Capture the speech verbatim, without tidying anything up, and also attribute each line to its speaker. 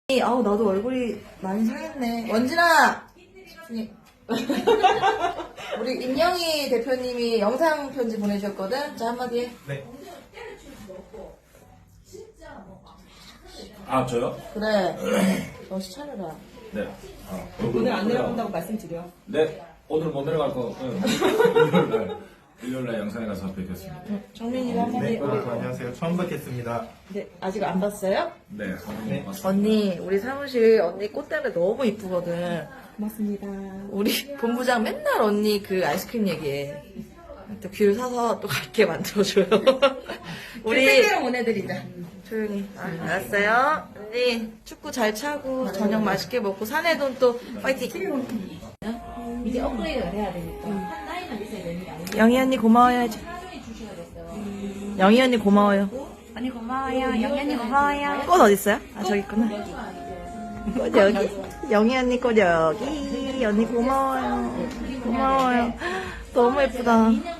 Speaker 1: 아우 나도 얼굴이 많이 상했네. 원진아! 집중해. 우리 임영희 대표님이 영상 편지 보내주셨거든? 자 한마디 해.
Speaker 2: 네. 아, 저요?
Speaker 1: 그래. 정신 차려라.
Speaker 2: 네. 아,
Speaker 3: 오늘 안 내려간다고 말씀드려.
Speaker 2: 네. 오늘 못 내려갈 거. 응. 일요일날, 일요일날 영상에 가서 뵙겠습니다.
Speaker 1: 정민이가 한마디
Speaker 4: 네,
Speaker 1: 해.
Speaker 4: 여러분 안녕하세요. 처음 뵙겠습니다.
Speaker 1: 네, 아직 안 봤어요?
Speaker 2: 네. 네.
Speaker 1: 언니, 우리 사무실 언니 꽃다발 너무 이쁘거든.
Speaker 3: 고맙습니다.
Speaker 1: 우리 본부장 맨날 언니 그 아이스크림 얘기해. 또 귤 사서 또 갈게 만들어줘요. 우리
Speaker 3: 택배로 보내드리자.
Speaker 1: 조용히. 아, 알았어요. 언니 축구 잘 차고 저녁 맛있게 먹고 사내돈 또 파이팅.
Speaker 5: 이제 업그레이드가 돼야 되니까 한 나이만 있어야 되는 게 아니고
Speaker 1: 영희 언니 고마워요. 해줘.
Speaker 5: 하중에 주셔야겠어요.
Speaker 1: 영희 언니 고마워요.
Speaker 5: 언니 고마워요. 영희 언니 고마워요.
Speaker 1: 꽃 어디 있어요? 아 저기 있구나. 꽃 여기. 영희 언니 꽃 여기. 언니 고마워요. 고마워요. 너무 예쁘다.